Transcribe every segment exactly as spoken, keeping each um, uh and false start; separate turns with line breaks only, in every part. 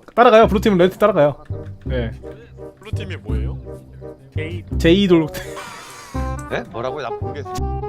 따라가요. 블루팀은 레드팀 따라가요. 네.
블루팀이 뭐예요?
제이 돌.
네? 뭐라고요? 나 모르겠어.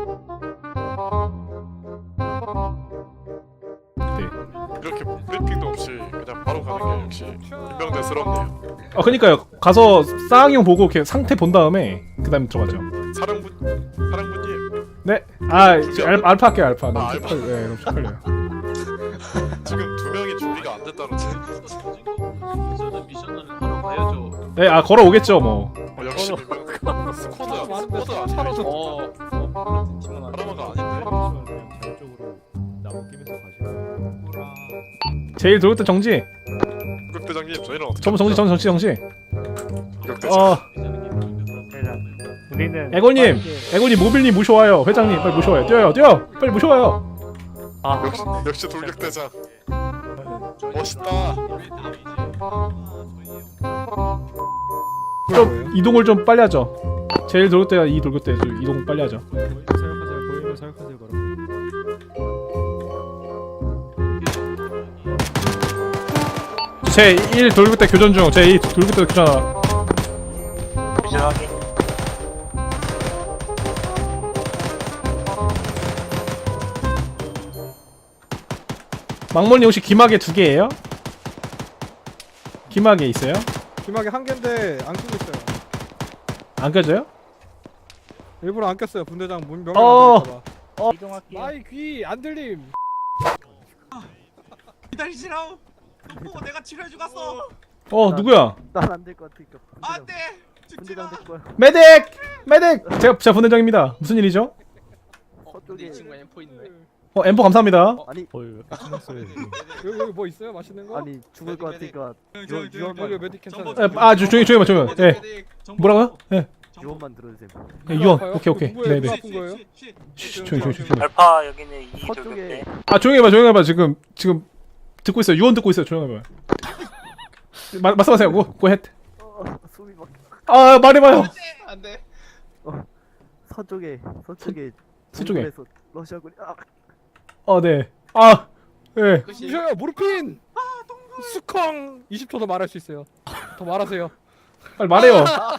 네.
이렇게 브리핑도 없이 그냥 바로 가는 게 역시 이병대스럽네요.
아 그니까요. 가서 싸앙형 보고 이렇게 상태 본 다음에 그 다음에 들어가죠.
사령부 사령부님
네. 아 저 알, 알파 할게요. 알파. 너무
아, 알파.
쪽팔. 네, 너무 쪽팔려요.
지금 두 명이 준비가 안 됐다는데.
저는 미션을 하러 가야죠.
네. 아 걸어 오겠죠 뭐.
어, 역시 이병 스쿼드 스쿼드 아니에요?
어, 어, 팀은 아니야.
사람아가 아닌데.
자율적으로 나무 끼면서 가시고.
제일 돌 때 정지.
국대장님 저희는 어떻게?
전 정지 전 정지 정지.
국대장.
어.
우리는
애골님, 애골님 모빌님 모셔와요. 회장님 빨리 모셔와요. 뛰어요, 뛰어. 빨리 모셔와요.
역시 역시 돌격대장. 멋있다.
좀 이동을 좀 빨리 하죠. 제일 돌 때가 이 돌 때 이동 빨리 하죠.
사역하세요. 보이면 사역하세요. 바로.
제일 돌 때 교전 중. 제이 돌 때 교전. 망mol님 혹시 기마개 두 개예요? 기마개 있어요?
기막이 한 개인데 안 끼고 있어요.
안 껴져요?
일부러 안 꼈어요. 분대장 문 명령
어.
안 들릴까봐.
이동할게요.
마이 귀 안 들림.
기다리시라오. 너 내가 치료해 주겠어.
어 누구야?
난 안 될 것 같으니까
안돼.
분대장 될 거야.
메딕! 메딕! 제가 제가 분대장입니다. 무슨 일이죠?
서쪽에
이 친구가 엠포 있네.
어 엠포 감사합니다.
아니
여기 여기 뭐 있어요? 맛있는 거?
아니 죽을 것 같으니까
여기
유언만
메디 괜찮아요.
에, 아 조, 조용히 조용히 조용히. 예. 뭐라고요? 예.
유언만 들어주세요.
예, 유언.
아파요?
오케이 오케이.
누구예요?
네네.
아픈 거예요?
쉬, 조용히 조용히 조용히.
알파 여기는 이
서쪽에
돌격대.
아 조용히 해봐 조용히 해봐. 지금 지금 듣고 있어요. 유언 듣고 있어요. 조용히 해봐. 마, 말씀하세요. 고 고헷.
어, 숨이 막
아 말해봐요.
안돼.
서쪽에 서쪽에
서쪽에.
동굴에서 러시아군이 아
어 네. 아 예.
무셔요 모르핀. 수컹 이십 초 더 말할 수 있어요. 더 말하세요.
빨리 말해요.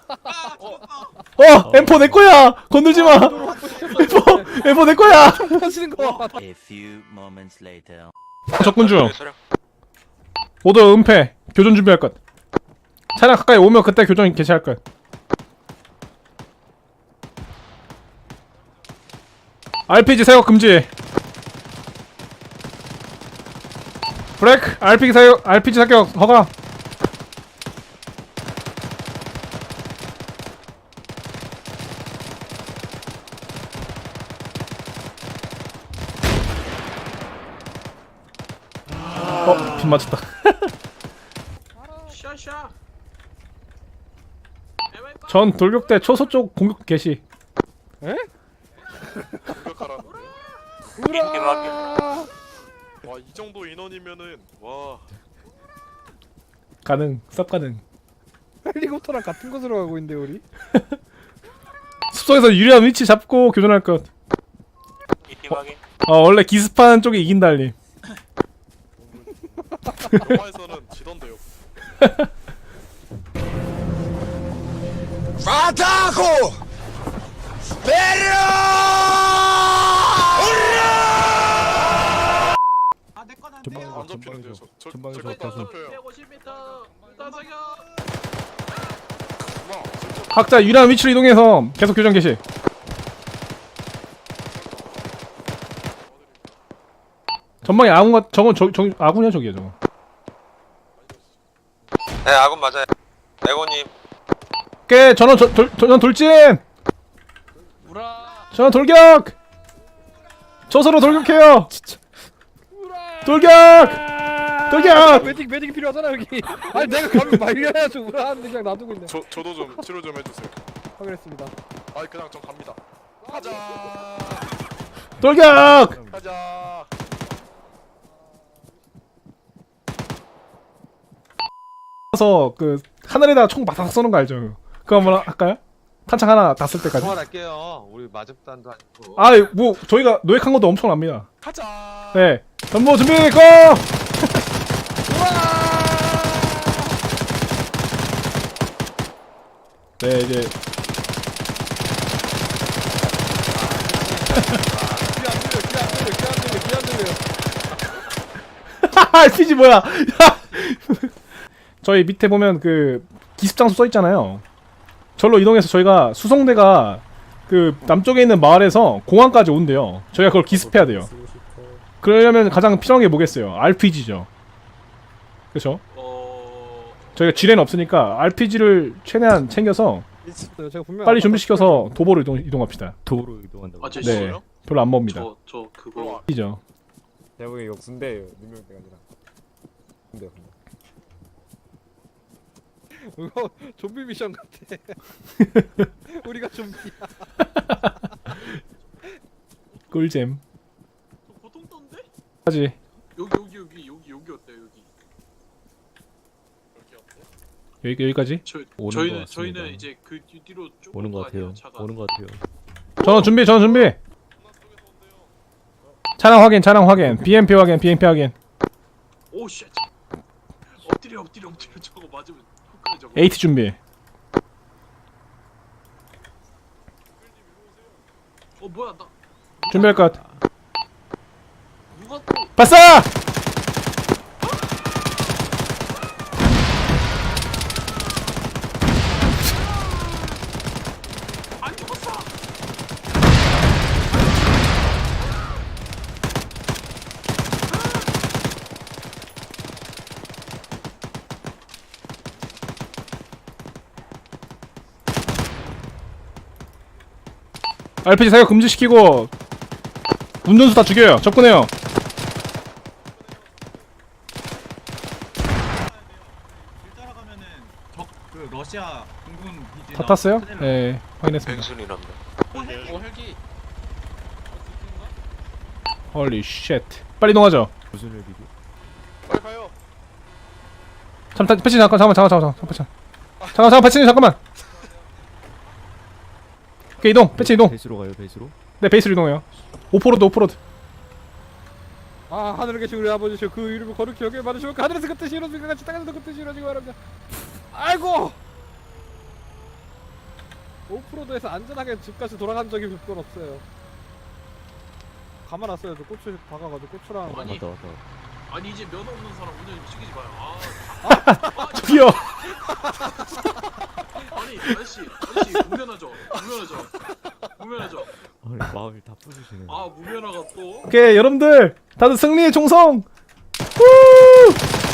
어 엠포 내 거야. 건들지 마. 엠포 엠포 내 거야.
하시는 거.
A few moments later.
적군 중. 모두 은폐. 교전 준비할 것. 차량 가까이 오면 그때 교전 개시할 것. 알피지 사용 금지. 브레이크. 알피지 사용 알피지 사격 허가. 어, 빗 맞췄다.
샤샤.
전 돌격대 초소 쪽 공격 개시.
공격하라.
긴급하게.
와 이 정도 인원이면은 와
가능. 쌉 가능.
헬리콥터랑 같은 곳으로 가고 있는데 우리.
숲속에서 유리한 위치 잡고 교전할 것.
이팀 확인.
어 원래 기습하는 쪽이 이긴다 알림.
영화에서는 지던데요.
아내 건안
전방에서-
돼요.
안 잡히는데요. 저, 저,
전방에서
제 것도 안
계속.
잡혀요.
백오십 미터. 따사격.
와 진짜
각자 유리한 위치로 이동해서 계속 교전 개시. 전방에 아군가 저건 저, 저 아군이야 저기야 저거.
네, 아군 맞아요. 에고님.
깨 전원 저, 돌, 전원 돌진.
우라.
전원 돌격. 저서로 돌격해요. 돌격. 돌격.
메딕 메딕이 필요하잖아 여기. 아니 내가 가면 말려야지 우라하는데 그냥 놔두고 있네.
저 저도 좀 치료 좀 해주세요.
확인했습니다.
아이 그냥 전 갑니다. 가자.
돌격.
가자.
그래서 그 하늘에다 총 마삭 쏘는 거 알죠? 그거 한번 할까요? 탄창 하나 다 쓸 때까지.
그만할게요. 우리 마접단도 아니고.
아, 뭐 저희가 노획한 것도 엄청납니다.
가자.
네, 전부 준비 고! 네 이제
귀안 들려 귀안 들려 귀안 들려 귀안 들려.
알피지 뭐야? 저희 밑에 보면 그 기습 장소 써 있잖아요. 절로 이동해서 저희가 수송대가 그 남쪽에 있는 마을에서 공항까지 온대요. 저희가 그걸 기습해야 돼요. 그러려면 가장 필요한 게 뭐겠어요? 알피지죠. 그렇죠?
어...
저희가 지뢰는 없으니까 알피지를 최대한 챙겨서
제가 분명
빨리 준비시켜서 도보로 이동, 이동합시다.
도로 이동한다고.
아, 저
네,
있어요?
별로 안 멉니다.
저, 저 그거
이죠.
내가 보기엔 이거 군대예요. 능력대가 아니라. 군대 군대.
이거 좀비 미션 같아. 우리가 좀비야.
꿀잼.
저 보통 떤데?
하지.
여기 여기 여기 여기 여기 어때요 여기? 여기 어때?
여기 여기까지.
저
오는 것
저희는
같습니다.
저희는 이제 그 뒤- 뒤로 쭉
오는 것
올
같아요.
아니에요, 차가.
오는 것 같아요.
전원 준비, 전원 준비. 차량 확인, 차량 확인. 비엠피 확인, 비엠피 확인.
오 쉣. 엎드려 엎드려 엎드려 저거 맞으면 훅가요 저거.
에이티 준비.
어 뭐야 나
준비할 것.
누가 또
봤어!
안 죽었어?
알피지 사격 금지시키고 운전수 다 죽여요. 접근해요.
길 따라가면은 적그 러시아 공군 기지
다 탔어요? 네, 확인했습니다.
뱅순이란다.
어 헬기.
헐리 쉣. 빨리 이동하죠.
무슨 일이고?
빨리 가요.
잠깐 패치 잠깐 잠깐만 잠깐 잠깐 잠깐 잠깐 잠깐 잠깐 패치 잠깐만. 오케이 이동. 패치 이동.
베이스로 가요. 베이스로.
네 베이스로 이동해요. 오프로드 오프로드.
아 하늘에 계신 우리 아버지시여 그 이름을 거룩히 여겨 받으시고 그 하늘에서 그 뜻이 이루어지고 같이 땅에서도 그 뜻이 이루어지기 바랍니다. 아이고 오프로드에서 안전하게 집까지 돌아간 적이 몇 번 없어요. 가만 놨어요. 저 고추 박아가지고 고추랑
아니
왔다 왔다.
아니 이제 면허 없는 사람 운전 시키지 마요. 아,
저기요.
아니 아저씨 아저씨 무면허죠 무면허죠 무면허죠.
아니 마음이 다 부수시네.
아 무면허가 또
오케이 여러분들 다들 승리의 총성. 후!